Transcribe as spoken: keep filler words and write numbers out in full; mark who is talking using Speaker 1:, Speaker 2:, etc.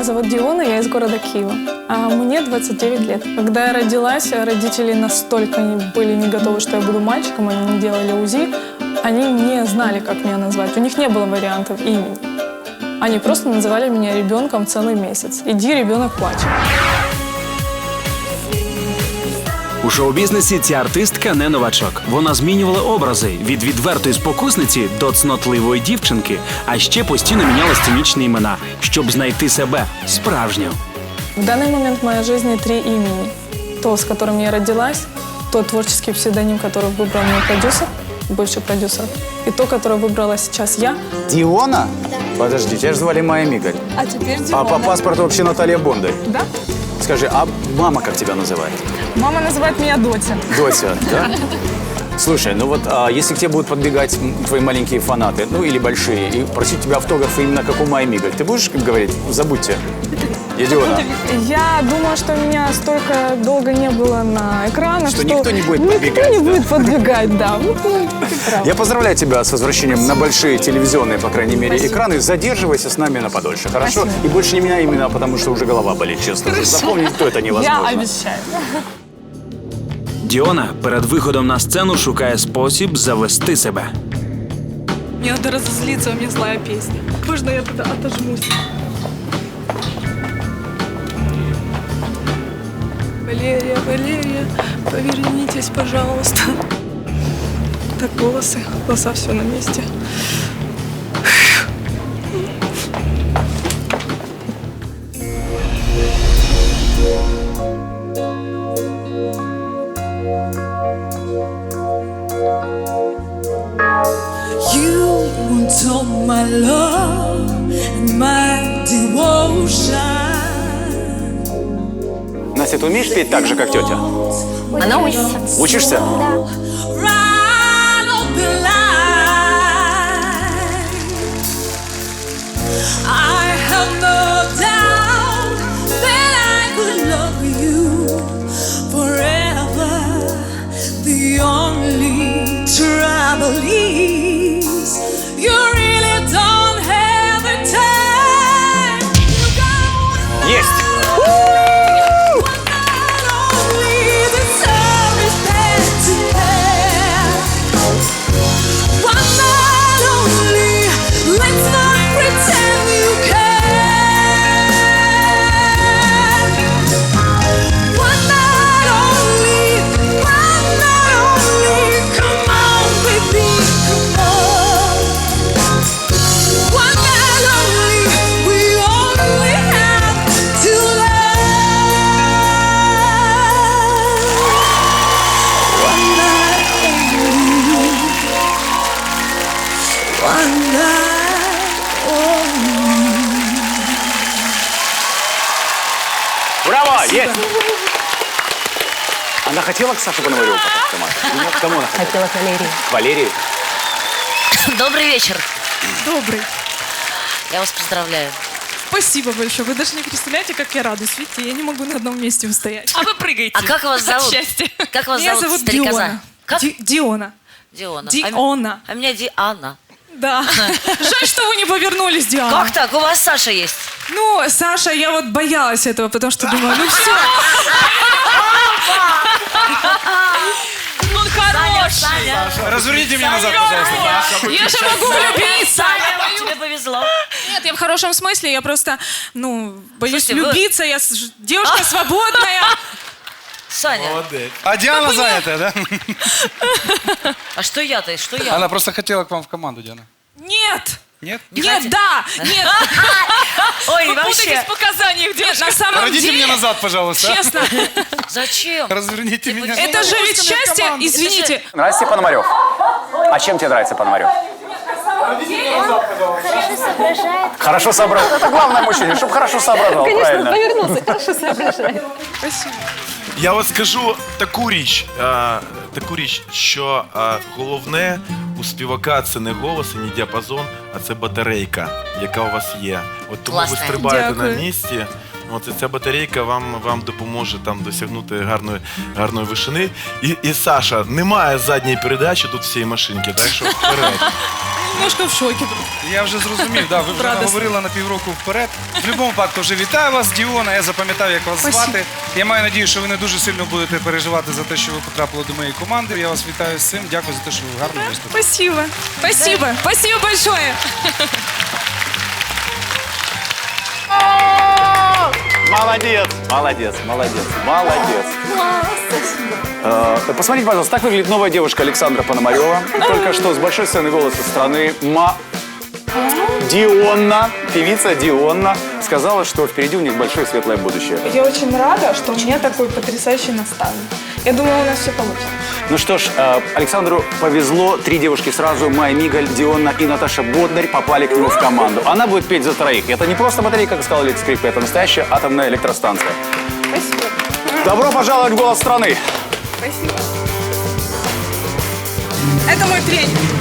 Speaker 1: Меня зовут Диона, я из города Киева. А мне двадцать девять лет. Когда я родилась, родители настолько были не готовы, что я буду мальчиком, они не делали УЗИ. Они не знали, как меня назвать. У них не было вариантов имени. Они просто называли меня ребенком целый месяц. Иди, ребенок плачет.
Speaker 2: У шоу-бізнесі ця артистка не новачок. Вона змінювала образи від відвертої спокусниці до цнотливої дівчинки, а ще постійно міняла сценічні імена, щоб знайти себе справжню.
Speaker 1: В данный момент в моей жизни три имени. То, с которым я родилась, тот творческий псевдоним, который выбрал мой продюсер, бывший продюсер, и то, которое выбрала сейчас я.
Speaker 3: Диона? Да. Подожди, тебя же звали Майя Мигаль.
Speaker 1: А теперь Диона.
Speaker 3: А по паспорту вообще Наталья Бондарь.
Speaker 1: Да?
Speaker 3: Скажи, а мама как тебя называет?
Speaker 1: Мама называет меня Дотя.
Speaker 3: Дотя, да? Слушай, ну вот а, если к тебе будут подбегать твои маленькие фанаты, ну или большие, и просить тебя автографы именно как у Майи Мигаль, ты будешь говорить, забудьте? Я Диона.
Speaker 1: Я думаю, что меня столько долго не было на экранах,
Speaker 3: что,
Speaker 1: что
Speaker 3: никто не будет
Speaker 1: никто
Speaker 3: подбегать.
Speaker 1: не
Speaker 3: да?
Speaker 1: будет подбегать, да.
Speaker 3: Я поздравляю тебя с возвращением на большие телевизионные, по крайней мере,
Speaker 1: Спасибо.
Speaker 3: экраны. Задерживайся с нами на подольше, хорошо?
Speaker 1: Спасибо.
Speaker 3: И больше не меня именно, потому что уже голова болит, честно. Запомнить то это невозможно.
Speaker 1: Я обещаю.
Speaker 2: Діона перед виходом на сцену шукає спосіб завести себе.
Speaker 1: Мне надо разозлиться, у меня злая песня. Можно я тогда отожмусь? Валерия, Валерия, повернитесь, пожалуйста. Так, волосы, глаза, все на месте.
Speaker 4: You want all my love and my devotion.
Speaker 3: Настя, ты умеешь петь так же, как тетя?
Speaker 5: Она учится.
Speaker 3: Учишься?
Speaker 4: Right on the line. I have no doubt that I could love you forever. The only trouble is you really don't have the time. You got
Speaker 3: Есть! Браво! Есть! Она хотела к Саше Пономареву попасть в команду? Ну, к кому она хотела?
Speaker 5: Хотела к Валерии.
Speaker 3: К Валерии?
Speaker 6: Добрый вечер.
Speaker 1: Добрый.
Speaker 6: Я вас поздравляю.
Speaker 1: Спасибо большое. Вы даже не представляете, как я радуюсь. Видите, я не могу на одном месте устоять.
Speaker 7: А вы прыгаете.
Speaker 6: А как вас зовут?
Speaker 7: Счастье.
Speaker 6: Как вас
Speaker 1: Меня
Speaker 6: зовут,
Speaker 1: зовут
Speaker 6: старикоза?
Speaker 1: Диона.
Speaker 6: Как?
Speaker 1: Ди- Диона.
Speaker 6: Диона.
Speaker 1: Диона.
Speaker 6: А, м- а меня Диана.
Speaker 1: Да. Жаль, что вы не повернулись, Диана.
Speaker 6: Как так? У вас Саша есть.
Speaker 1: Ну, Саша, я вот боялась этого, потому что думаю, ну все.
Speaker 7: Он хороший.
Speaker 6: Саня.
Speaker 8: Разверните меня назад, пожалуйста.
Speaker 1: Я же могу влюбиться.
Speaker 6: Саня, тебе повезло.
Speaker 1: Нет, я в хорошем смысле, я просто, ну, боюсь
Speaker 6: Слушайте, вы-
Speaker 1: влюбиться, я с- девушка свободная.
Speaker 6: Саня,
Speaker 8: Молодец. А Диана занятая, да?
Speaker 6: а что я-то? Что я?
Speaker 8: Она просто хотела к вам в команду, Диана.
Speaker 1: Нет.
Speaker 8: Нет?
Speaker 1: Нет,
Speaker 6: хотите?
Speaker 1: да, нет,
Speaker 6: Ой,
Speaker 7: Вы
Speaker 6: вообще.
Speaker 7: путаетесь в показаниях,
Speaker 1: нет,
Speaker 7: девушка.
Speaker 1: на самом
Speaker 8: Родите
Speaker 1: деле,
Speaker 8: меня назад, пожалуйста.
Speaker 1: честно,
Speaker 6: Зачем?
Speaker 8: Разверните меня.
Speaker 1: это же ведь счастье,
Speaker 8: команду.
Speaker 1: извините.
Speaker 3: Нравится тебе Пономарев? А чем тебе нравится Пономарев?
Speaker 5: Хорошо соображает.
Speaker 3: Хорошо соображал. Это главное мужчине, чтобы хорошо соображал, правильно.
Speaker 5: Повернулся, хорошо соображает.
Speaker 9: Я от скажу таку річ, а, таку річ, що а, головне у співака це не голос і не діапазон, а це батарейка, яка у вас є. От тому
Speaker 6: Класно.
Speaker 9: ви стрибаєте
Speaker 1: Дякую.
Speaker 9: на місці. От і ця батарейка вам, вам допоможе там досягнути гарної, гарної вишини. І, і Саша, немає задньої передачі тут всієї машинки, так що вперед.
Speaker 1: немножко в шоке.
Speaker 8: Я вже зрозумів, да, ви вже
Speaker 1: Радосно.
Speaker 8: говорили на півроку вперед. В будь-якому випадку вже вітаю вас, Діона. Я запам'ятав, як вас
Speaker 1: Спасибо.
Speaker 8: звати. Я маю надію, що ви не дуже сильно будете переживати за те, що ви потрапили до моєї команди. Я вас вітаю з цим. Дякую за те, що ви гарно виступили.
Speaker 1: Спасибо. Спасибо. Спасибо большое.
Speaker 3: Молодец, молодец, молодец, молодец. Э, Посмотрите, пожалуйста, так выглядит новая девушка Александра Пономарева. Только что с большой сцены «Голоса страны» Ма... Дионна, певица Дионна, сказала, что впереди у них большое светлое будущее.
Speaker 1: Я очень рада, что у меня такой потрясающий наставник. Я думаю, у нас все получится.
Speaker 3: Ну что ж, э, Александру повезло. Три девушки сразу, Майя Мигаль, Дионна и Наташа Боднарь, попали к нему в команду. Она будет петь за троих. Это не просто батарейка, как сказал Алекс Скрипка, это настоящая атомная электростанция.
Speaker 1: Спасибо.
Speaker 3: Добро пожаловать в «Голос страны».
Speaker 1: Спасибо. Это мой тренер.